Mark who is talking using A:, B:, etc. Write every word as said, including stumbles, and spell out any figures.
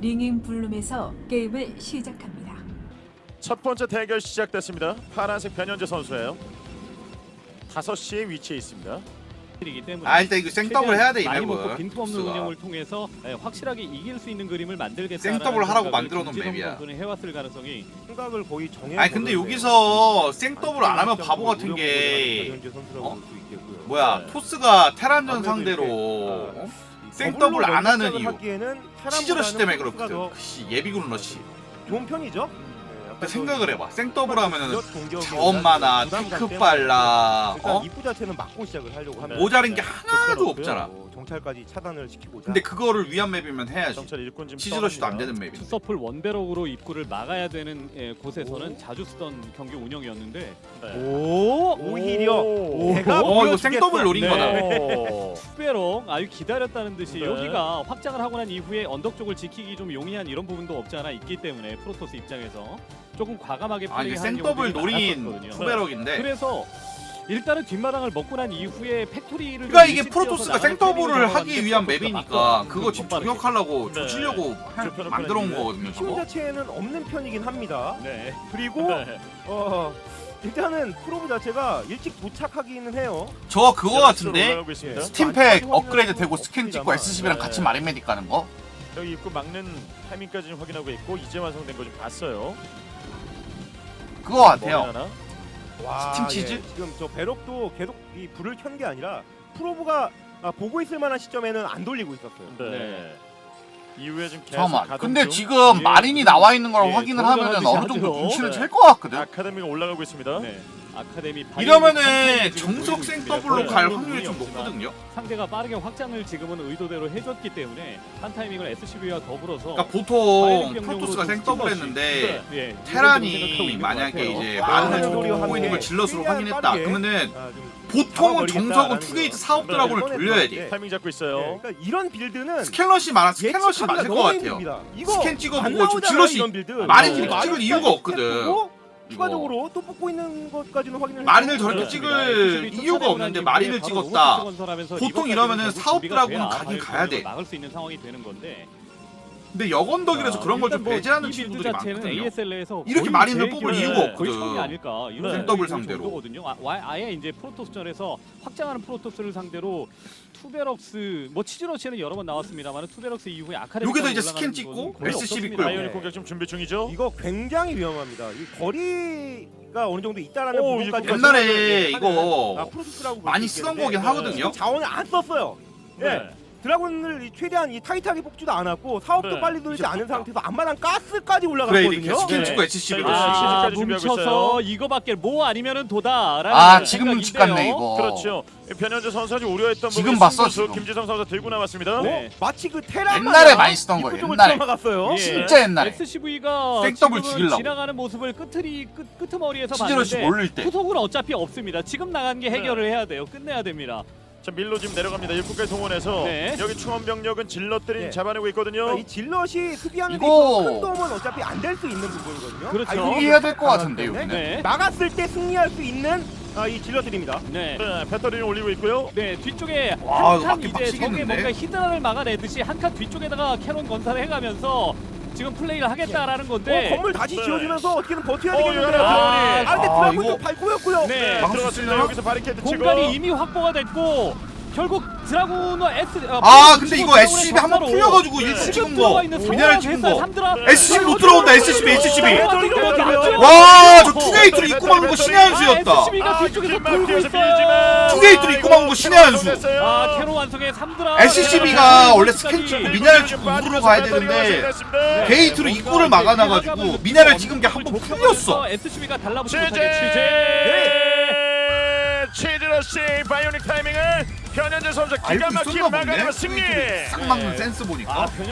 A: 링잉 블룸에서 게임을 시작합니다.
B: 첫 번째 대결 시작됐습니다. 파란색 변현재 선수예요. 다섯 시에 위치해 있습니다.
C: 이기 때문에
D: 아 일단 이거 생더블 해야 돼 이
C: 많이 먹고
D: 맵은.
C: 빈틈없는
D: 보스가.
C: 운영을 통해서 예, 확실하게 이길 수 있는 그림을 만들겠다는
D: 생더블 하라고 만들어 놓은 맵이야.
C: 선수는 해왔을 가능성이
E: 생각을 거의 정해.
D: 아니 근데 여기서 생더블 안 하면 바보 같은 게 어? 뭐야
B: 네.
D: 토스가 테란전 상대로 어? 생더블 안 하는 이유 치즈러시 때문에 그렇거든. 씨, 예비군 러시.
E: 좋은 편이죠.
D: 근데 생각을 해봐. 생더블 하면은 자원
E: 자원
D: 많아, 테크 빨라,
E: 일단
D: 어?
E: 입구 자체는 막고 시작을 하려고 하면
D: 모자른 게 하나도 없잖아.
E: 정찰까지 차단을 시키고자.
D: 근데 그거를 위한 맵이면 해야지.
B: 정찰 일꾼 지금
D: 치즈러시도 안
B: 떠납니다.
D: 되는 맵이.
C: 투서플 원베럭으로 입구를 막아야 되는 예, 곳에서는 자주 쓰던 경기 운영이었는데
B: 네.
E: 오 오히려
B: 오.
E: 내가
D: 어 이거
E: 보여주겠어.
D: 생더블 노린
B: 네.
D: 거다.
B: 오.
C: 투베럭 아유 기다렸다는 듯이
B: 네.
C: 여기가 확장을 하고 난 이후에 언덕 쪽을 지키기 좀 용이한 이런 부분도 없지 않아 있기 때문에 프로토스 입장에서 조금 과감하게
D: 아 이게
C: 플레이하는
D: 생더블
C: 경우들이
D: 노린
C: 많았었거든요.
D: 투베럭인데.
C: 그래서 일단은 뒷마당을 먹고 난 이후에 팩토리를
D: 그러니까
C: 좀
D: 이게
C: 일찍
D: 프로토스가
C: 지어서 나가는
D: 생더블을
C: 플레이를
D: 하기
C: 들어갔는데
D: 위한
C: 프로토스가
D: 맵이니까
C: 막고
D: 그거 지금
C: 빠르게.
D: 저격하려고
B: 네.
D: 조지려고 할-
B: 좁혀놓고
D: 만들어 온
B: 있는데.
D: 거거든요
E: 힘
D: 저거.
E: 자체는 없는 편이긴 합니다.
C: 네.
E: 그리고
B: 네.
E: 어 일단은 프로브 자체가 일찍 도착하기는 해요.
D: 저 그거 같은데
B: 올라가고 있습니다.
D: 스팀팩 업그레이드 되고 스캔 찍고 에스씨비랑
B: 네.
D: 같이 마린메딕 가는 거?
B: 여기 입구 막는 타이밍까지 좀 확인하고 있고 이제 완성된 거 좀 봤어요.
D: 그거 같아요.
B: 머리 하나.
E: 와,
D: 스팀 치즈?
E: 예, 지금 저 배럭도 계속 이 불을 켠 게 아니라 프로브가 아, 보고 있을 만한 시점에는 안 돌리고 있었어요.
B: 네.
C: 네.
B: 이후에 좀 계속
D: 잠깐만.
B: 가동
D: 근데
B: 중.
D: 지금
C: 예,
D: 마린이 나와 있는 걸
C: 예,
D: 확인을
C: 돌아가듯이
D: 하면은 어느 정도
C: 하죠.
D: 눈치를
B: 네.
D: 챌 것 같거든.
B: 아카데미가 올라가고 있습니다.
C: 네. 아카데미 바이오닉
D: 이러면은
C: 컨텐츠 지금
D: 정석
C: 보이고
D: 생더블로
C: 있습니다.
D: 갈
C: 그런
D: 확률이 좀
C: 부분이 없지만
D: 높거든요.
C: 상대가 빠르게 확장을 지금은 의도대로 해줬기 때문에 한 타이밍을 에스씨비와 더불어서
D: 그러니까 보통
C: 바이오닉 병력으로
D: 프로토스가
C: 좀
D: 생더블
C: 찔러시.
D: 했는데
C: 예,
D: 테란이 만약에 이제
E: 와,
D: 마린을
E: 하는 소리와
D: 보고 있는 걸
E: 함께
D: 질럿으로
E: 최대한
D: 확인했다.
E: 빠르게.
D: 그러면은
E: 아, 좀
D: 보통은
E: 잡아버리겠다라는
D: 정석은
E: 거.
D: 투게이트 사업 드라곤을
E: 네.
D: 돌려야지.
E: 네.
B: 타이밍 잡고
E: 예,
B: 있어요.
E: 그러니까 이런 빌드는
D: 스캔러시 많아. 스캔러시
E: 예측하기가
D: 맞을 것
E: 너무
D: 같아요.
E: 힘듭니다. 이거
D: 스캔
E: 안
D: 찍어보고 좀
E: 나오잖아요,
D: 질럿이
E: 이런 빌드.
D: 마린을
E: 어,
D: 찍을
E: 마린
D: 이유가
E: 스캔
D: 없거든.
E: 보고
D: 이거.
E: 추가적으로 또 뽑고 있는 것까지는 확인을
D: 마린을
E: 해서
D: 저렇게
B: 네.
D: 찍을 이유가 없는데 마린을 찍었다. 보통 이러면은 사업 드라군은 가긴 가야 돼.
C: 막을 수 있는 상황이 되는 건데.
D: 근데 역언덕이라서 그런 걸 좀
C: 일단 뭐
D: 배제하는
C: 이 빌드
D: 친구들이
C: 자체는
D: 많거든요.
C: 에이에스엘에이에서
D: 이렇게 마린을 뽑을 이유가
C: 거의
D: 없거든.
C: 처음이 아닐까 이런
B: 네.
C: 생각이
D: 더블
C: 들
D: 상대로.
C: 정도거든요. 아, 와- 아예 이제 프로토스전에서 확장하는 프로토스를 상대로 투베럭스 뭐 치즈러시는 여러 번 나왔습니다만 투베럭스 이후에 아카데미
D: 여기서 이제 스캔 찍고 에스씨비 끌고.
B: 바이오닉 공격 지금 준비 중이죠.
E: 이거 굉장히 위험합니다. 이 거리가 어느 정도 있다라는
B: 오,
E: 부분까지
B: 이거
D: 옛날에 이거
E: 아, 프로토스라고 볼수
D: 많이 쓰던
E: 있겠는데
D: 거긴 하거든요.
E: 자원을 안 썼어요. 예.
B: 네.
E: 드라군을 이 최대한 이 타이트하게 뽑지도 않았고 사업도
B: 네.
E: 빨리 돌리지
D: 이제
E: 않은
D: 뽑다.
E: 상태에서 앞마당 가스까지
D: 그래
E: 올라갔거든요.
D: 이렇게 스캔
B: 네.
D: 찍고 에스씨비로.
B: 자, 이제
C: 아,
B: 시즌까지 준비하고 있어요.
C: 뭉쳐서 이거밖에 뭐 아니면은 도다라는
D: 아 지금 눈치
C: 생각인데요.
D: 깠네 이거.
B: 그렇죠. 변현재 선수가 우려했던
D: 지금
B: 부분을
D: 봤어,
B: 승부수
D: 지금.
B: 김지성 선수가 들고 나왔습니다.
E: 어?
C: 네.
E: 마치 그 테란
D: 옛날에 많이 쓰던 거예요, 옛날에.
E: 막았어요.
C: 예.
D: 진짜 옛날에.
C: 에스씨비가
D: 생더블
C: 지금은
D: 죽이려고.
C: 지나가는 모습을 끝트리 끝 끝머리에서
D: 치즈러시
C: 봤는데
D: 몰릴 때.
C: 후속은 어차피 없습니다. 지금 나간 게 해결을 해야 돼요. 끝내야 됩니다.
B: 자 밀로 지금 내려갑니다. 일꾼까지 동원해서
C: 네.
B: 여기 충원 병력은 질럿들이
E: 네.
B: 잡아내고 있거든요.
E: 그러니까 이 질럿이 수비하는 데
D: 이거-
E: 있어서 큰 도움은 어차피 안 될 수 있는 부분이거든요.
C: 그렇죠.
E: 아, 이거
D: 포기해야 될 것
E: 강하기
D: 같은데
E: 때문에
D: 여기는.
C: 네.
E: 막았을 때 승리할 수 있는 아, 이 질럿들입니다.
C: 네.
B: 네, 배터리를 올리고 있고요.
C: 네 뒤쪽에
D: 와,
C: 한
D: 이거
C: 칸
D: 맞긴
C: 이제 적의
D: 빡치겠는데?
C: 뭔가 히드라를 막아내듯이 한 칸 뒤쪽에다가 캐논 건설을 해가면서 지금 플레이를 하겠다라는 건데
E: 어, 건물 다시
B: 네.
E: 지어주면서 어떻게든 버텨야
B: 어,
E: 되겠는데요.
B: 이거 하나
E: 아,
B: 들어오니.
E: 근데
D: 아,
E: 드라군도
D: 이거-
E: 밟고였고요.
C: 네.
B: 네,
D: 막을 수
B: 들어갔습니다.
D: 있나요?
B: 여기서 바리케이드 치고.
C: 공간이 이미 확보가 됐고 결국 드라군과 S 어,
D: 아 근데 이거
C: 드라군의
D: 에스씨비 한번
C: 전사로
D: 풀려가지고
B: 네.
D: 일찍
C: 지금
D: 찍은
C: 들어가
D: 거
C: 있는
D: 미네랄
C: 성공을
D: 찍은
C: 했어요.
D: 거
C: 삼드라.
B: 네.
D: 에스씨비 못 들어온다 에스씨비 에스씨비.
E: 아,
D: 와 저 투게이트로 입고 막은 거 신의 한 수였다.
C: 에스씨비가
B: 아,
C: 뒤쪽에서
B: 길막
C: 돌고
B: 뒤에서
C: 있어요.
B: 밀지만.
D: 투게이트로 입고 막은 거 신의 한 수.
C: 아 캐로 완성의 삼드라.
D: 에스씨비가 원래 스캔
C: 끝까지.
D: 찍고 미네랄 찍고 우르르 가야 되는데 게이트로 입구를 막아놔가지고 미네랄 찍은 게 한 번 풀렸어.
C: 에스씨비가 달라붙지
B: 취재
C: 못하게 취재.
B: 치즈러시 바이오닉 타이밍을 변현재 선수 기가
D: 알고
B: 막히게
D: 있었나
B: 막아내면
D: 보네.
B: 승리.
D: 싹 막는 센스 보니까.
C: 아, 변형